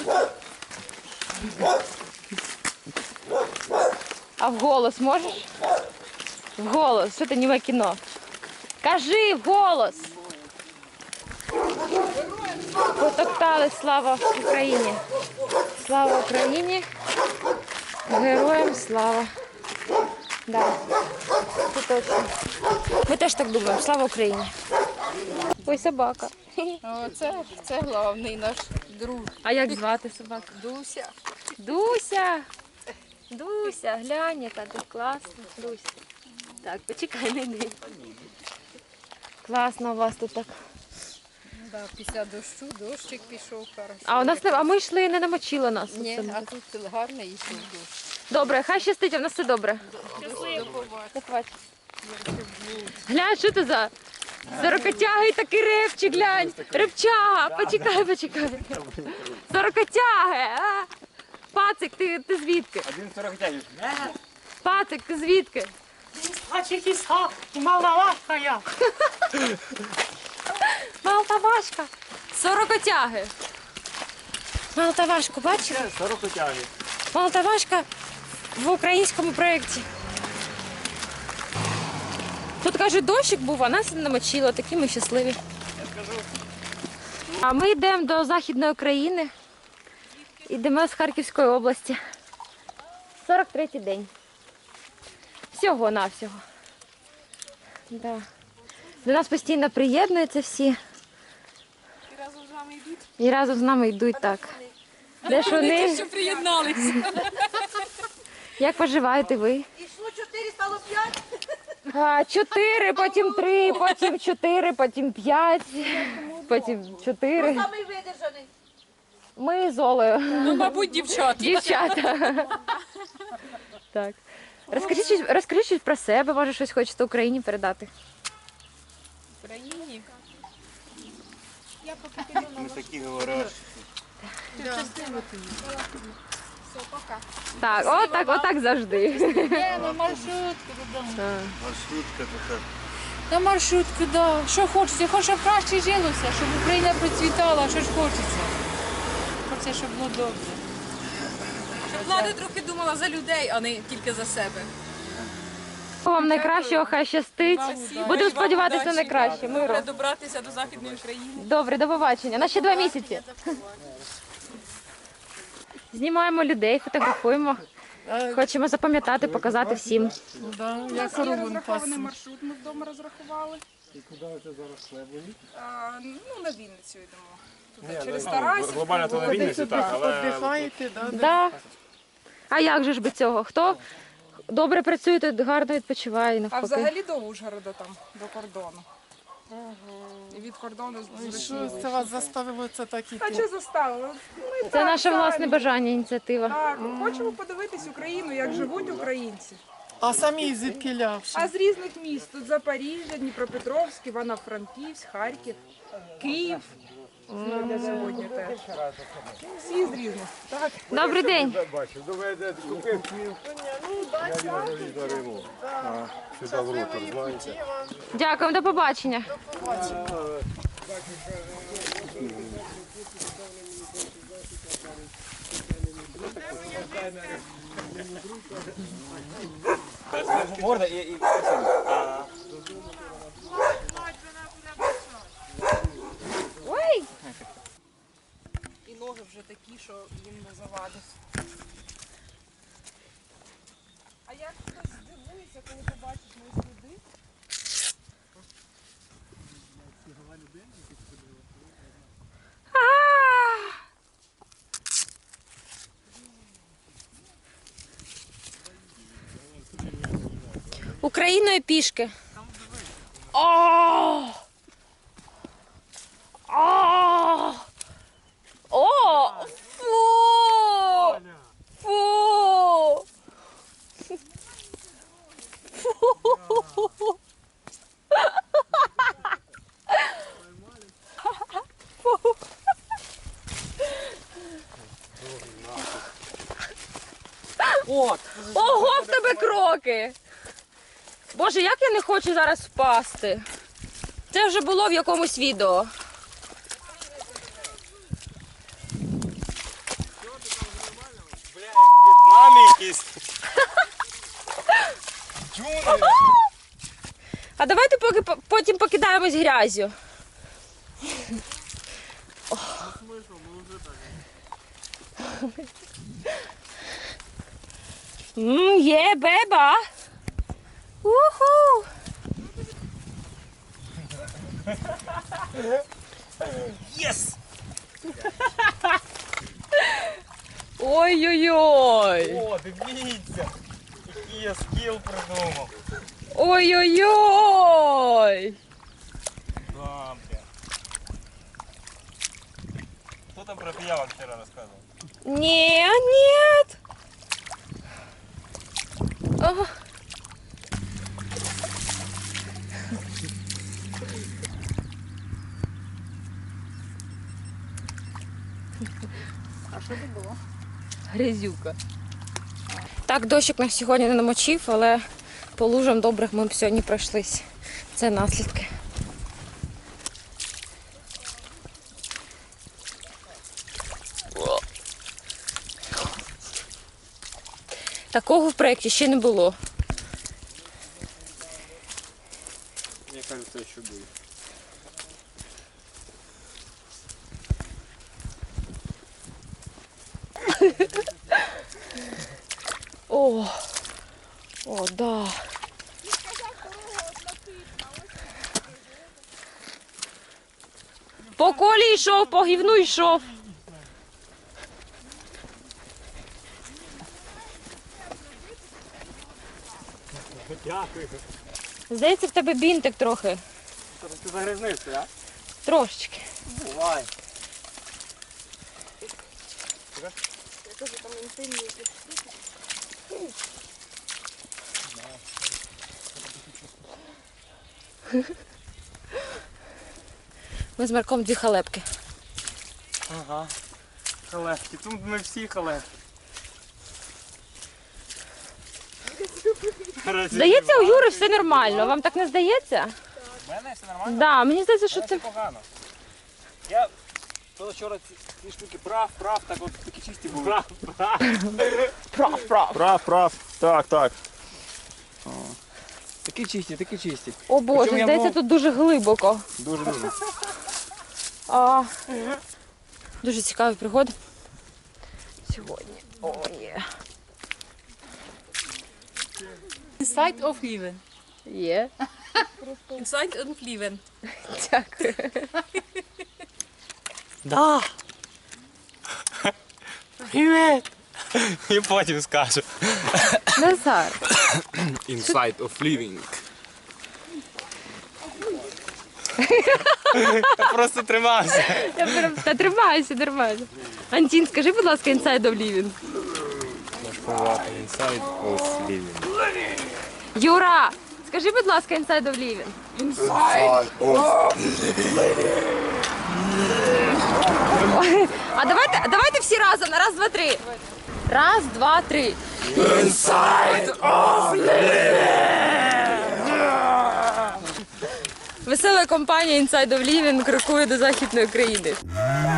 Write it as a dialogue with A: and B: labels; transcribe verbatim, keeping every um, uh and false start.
A: А вголос можеш? Вголос, що ти німе кіно? Кажи вголос! Потоптали, слава Україні! Слава Україні! Героям слава! Да, це точно. Ми теж так думаємо, слава Україні! Ой, собака.
B: О, це, це головний наш друг.
A: А як звати собаку?
B: Дуся.
A: Дуся! Дуся, глянь, яка ти класна. Дуся. Так, почекай, не йди. Класно у вас тут так.
B: Да, після дощу, дощик пішов. Хорошо.
A: А у нас не, а ми йшли, не намочило нас.
B: Ні, а тут гарний йшов дощ.
A: Добре, хай щастить, а в нас все добре.
B: До побачення.
A: До побачення. Глянь, що це за сорокотягий такий репчик, глянь. Репчага, почекай, почекай. Сорокотяги, а? Пацик, ти, ти звідки?
C: Один сорокотягий.
A: Пацик, ти звідки?
D: Таджикистан, Молдавашка я.
A: Молдавашка. Сорокотяги. Молдавашку, бачиш?
C: Сорокотягий.
A: Молдавашка в українському проєкті. Тут, каже, дощик був, а нас не намочило, такі ми щасливі. А ми йдемо до Західної України. Йдемо з Харківської області. сорок третій день. Всього-навсього. Да. До нас постійно приєднуються всі.
B: І разом з вами йдуть.
A: І разом з нами йдуть так. Де ж вони?
B: Що приєдналися.
A: Як поживаєте ви?
E: Ішло чотири, стало п'ять.
A: А, чотири, потім три, потім чотири, потім п'ять, потім чотири.
E: Самий видержаний.
A: Ми з Олею.
B: Ну, мабуть, дівчата.
A: Дівчата. Так. Розкажіть, щось- розкажіть щось про себе, може щось хочете Україні передати.
B: В Україні.
C: Ми такі говорять.
A: Так, отак, отак завжди.
B: На маршрутку додому.
C: Маршрутка така.
B: На маршрутку, да. Що хочеться? Хочу, щоб краще жилося, щоб Україна процвітала, що ж хочеться. Хочеться, щоб було добре. Щоб влада трохи думала за людей, а не тільки за себе.
A: Вам найкращого, хай щастить. Будемо сподіватися на найкраще. Миру.
B: Добратися до Західної України.
A: Добре, до побачення. На ще два місяці. Знімаємо людей, фотографуємо. Хочемо запам'ятати, показати всім.
D: Да, я корову пасу.
F: Маршрут ми вдома розрахували.
C: І куди ви зараз хлебують?
F: А, ну, на Вінницю йдемо. Туди, через Тарасів.
C: Глобально то на Вінниці, так, але
D: Віддихаєте, да?
A: Да. А як же ж без цього? Хто добре працює, той гарно відпочиває
F: А
A: навпаки.
F: взагалі до Ужгорода там, до кордону. І від кордону
D: І
F: з
D: що це вас заставило це так
F: А
D: іти?
F: що заставили? Ми
A: Це
F: так
A: наше
F: самі.
A: власне бажання, ініціатива.
F: Так, хочемо подивитись Україну, як живуть українці.
D: А самі звідки лявши?
F: А з різних міст. Тут Запоріжжя, Дніпропетровськ, Івано-Франківськ, Харків, Київ. Сьогодні сьогодні теж. Всі з різних. Так.
A: Добрий день.
C: бачив, доведе купив хліб. Я його сюди в ротор, знаєте.
A: Дякую, до побачення.
C: Морда і... і...
A: Ой!
F: І ноги вже такі, що їм не завадить. А як хтось здивується, коли побачить мої сліди?
A: Україною пішки. О! О! О! Фу! Фу! Фу!
C: От!
A: Ого, в тебе кроки! Боже, як я не хочу зараз впасти. Це вже було в якомусь відео.
G: якісь. Джунгли.
A: А давайте поки по- потім покидаємось грязю. Мм, є беба. Уху.
G: Єс!
A: Ой-ой-ой.
G: О, дивіться! Який я скіл придумав.
A: Ой-ой-ой.
G: Да, бля. Хто там про пиявок вчора розказував?
A: Не, нет. Ага.
B: А що це було?
A: Грязюка. Так, дощик нас сьогодні не намочив, але по лужам добрих ми б сьогодні пройшлись. Це наслідки. Такого в проєкті ще не було.
G: Мені кажеться, що буде.
A: О, о, да. По колі йшов, по гівну йшов.
G: Дякую.
A: Здається, в тебе бінтик трохи.
G: Ти загрізнився, а?
A: Трошечки.
G: Бувай.
A: Ми з Марком дві халепки.
G: Ага. Халепки. Тут ми всі халепки.
A: Здається, у Юри все нормально. Вам так не здається?
G: У мене все нормально?
A: Да, мені здається, що
G: Це
A: це.
G: погано. Я вчора ці, ці штуки прав, прав, так от такі чисті були. Прав, прав.
A: Прав, прав.
G: Прав, прав. Так, так. О. Такі чисті, такі чисті.
A: О Боже,
G: Причому я
A: здається,
G: був-
A: тут дуже глибоко.
G: Дуже дуже.
A: А, дуже цікаві пригоди. Сьогодні. О, є.
B: Inside of Lieven.
A: Є.
B: Inside of Lieven.
A: Дякую.
G: Да. Привіт. І потім скажу.
A: Назар.
G: Inside of living. Я просто тримався.
A: Я прям та тримайся, тримайся. Антін, скажи, будь ласка, inside of living.
G: Inside of living.
A: Юра, скажи, будь ласка, inside of living. Ой, а давайте, давайте всі разом на раз, два, три. Раз, два, три. Весела компанія Inside of Living крокує до західної країни.